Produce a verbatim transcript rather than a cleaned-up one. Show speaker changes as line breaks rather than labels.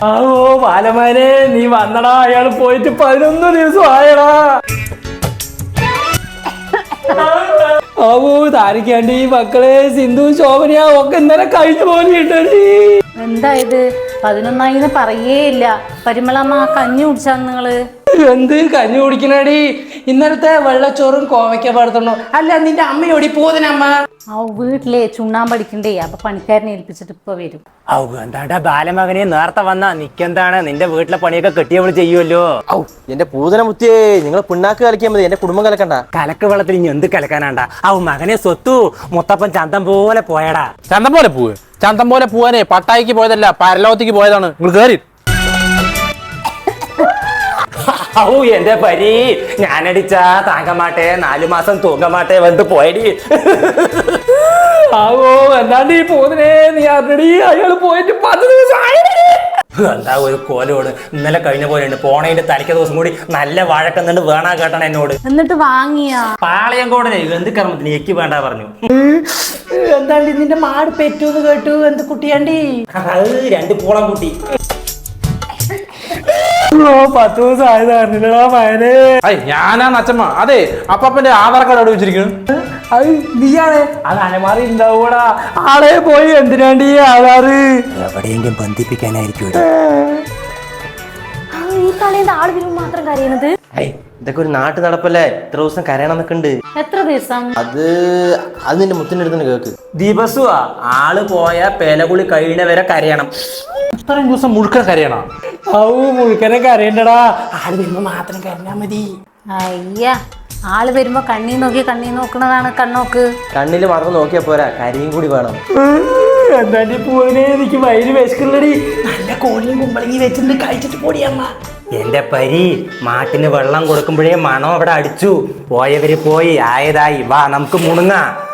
ആവോ ബാലമാനെ നീ വന്നടാ, അയാൾ പോയിട്ട് പതിനൊന്ന് ദിവസം ആയടാ. ആവോ താരിക്കാണ്ട് ഈ മക്കളെ സിന്ധു ശോഭനയാ ഒക്കെ ഇന്നലെ കഴിഞ്ഞു പോലെ കിട്ടടി.
എന്തായത് പതിനൊന്നായിന്ന് പറയേയില്ല. പരിമളമ്മ കഞ്ഞി കുടിച്ചാ നിങ്ങള്?
എന്ത് കഞ്ഞി കുടിക്കണടി? ഇന്നലത്തെ വെള്ളച്ചോറും കോവയ്ക്ക പടത്തണോ? അല്ല നിന്റെ അമ്മയോടി പോതിനമ്മ?
ആ വീട്ടിലെ ചുണ്ണാമ്പടിക്കണ്ടേ, അപ്പൊ പണിക്കാരനെ ഏൽപ്പിച്ചിട്ട് ഇപ്പൊ വരും.
ഔ എന്താണ്ടാ ബാലമകനെ നേരത്തെ വന്നാ നിക്കെന്താണ്? നിന്റെ വീട്ടിലെ പണിയൊക്കെ കെട്ടിയവള് ചെയ്യുമല്ലോ.
ഔ എന്റെ പൂതന മുത്തിയേ, നിങ്ങൾ പിണ്ണാക്ക് കലക്കിയാൽ മതി, എന്റെ കുടുംബം കലക്കണ്ട.
കലക്ക് വെള്ളത്തിൽ ഇനി എന്ത് കലക്കാനാണ്ടാ? ഔ മകനെ സ്വത്തു മുത്തപ്പൻ ചന്തം പോലെ പോയടാ.
ചന്തം പോലെ പോവ്? ചന്തം പോലെ പോവാനേ പട്ടായിക്ക് പോയതല്ല, പരലോകത്തേക്ക് പോയതാണ്. നിങ്ങൾ കേറി.
ഔ എന്റെ പരി, ഞാനടിച്ചാ താങ്കമാട്ടെ, നാലു മാസം തൂങ്ങമാട്ടെ വന്ന് പോയടി.
ആവോ എന്താണ്ട് ഈ പോതിനെ നീ അറിഞ്ഞടി, അയാള് പോയിട്ട് പത്ത് ദിവസം ആയടി.
എന്താ ഒരു കോലോട് ഇന്നലെ കഴിഞ്ഞ പോലെയുണ്ട്. പോണേന്റെ തലയ്ക്ക ദിവസം കൂടി നല്ല വഴക്കുന്നുണ്ട്, വേണാ കേട്ടണം എന്നോട്.
എന്നിട്ട് വാങ്ങിയാ
പാളയം കോടനെ എന്ത് കർമ്മത്തിന് എനിക്ക് വേണ്ട പറഞ്ഞു.
എന്താണ്ട് നിന്റെ മാട് പെറ്റൂന്ന് കേട്ടു, എന്ത് കുട്ടിയാണ്ടി?
അത് രണ്ട് പൂളം കുട്ടി.
പത്ത് ദിവസം ആയതാ മയനെ.
അയ് ഞാനാ നച്ചമ്മ. അതെ അപ്പന്റെ ആധാർ കാർഡ് അവിടെ വെച്ചിരിക്കുന്നു.
അത് നീയാണ്, അത് അലമാറി ഉണ്ടാവൂടാ. ആളെ പോയി എന്തിനാണ്ടി ആധാറ്?
എവിടെയെങ്കിലും ബന്ധിപ്പിക്കാനായിരിക്കും.
ഈ കളിയുടെ ആള് വരുമ്പോ മാത്രം കരയണത്?
ഐ ഇതൊക്കെ ഒരു നാട്ടു നടപ്പല്ലേ, ഇത്ര ദിവസം കരയണം എന്നൊക്കെ ഉണ്ട്.
എത്ര ദിവസം?
അത് അത് നിന്റെ മുത്തിന്റെ അടുത്ത് കേക്ക്.
ദിവസമാ ആള് പോയ പേലകുളി കഴിയണ വരെ കരയണം.
ഇത്രയും ദിവസം മുഴുക്കൻ കരയണം.
ഔ മുഴുക്കനെ കരയണ്ടടാ, ആള് വരുമ്പോ മാത്രം കരഞ്ഞാ മതി.
അയ്യ, ആള് വരുമ്പോ കണ്ണീ നോക്കി കണ്ണീ നോക്കണതാണ് കണ്ണോക്ക്.
കണ്ണില് മാത്രം നോക്കിയാ പോരാ, കരിയും കൂടി വേണം.
എന്താണ്ടി പോയിനെ, എനിക്ക് വയറ് വിശക്കുള്ളടി. നല്ല കോഴിയും കുമ്പളങ്ങി വെച്ചിട്ട് കഴിച്ചിട്ട് പോടിയമ്മ.
എന്റെ പരി, മാട്ടിന് വെള്ളം കൊടുക്കുമ്പോഴേ മണം അവിടെ അടിച്ചു. പോയവര് പോയി, ആയതായി, വാ നമുക്ക് മുണുങ്ങാ.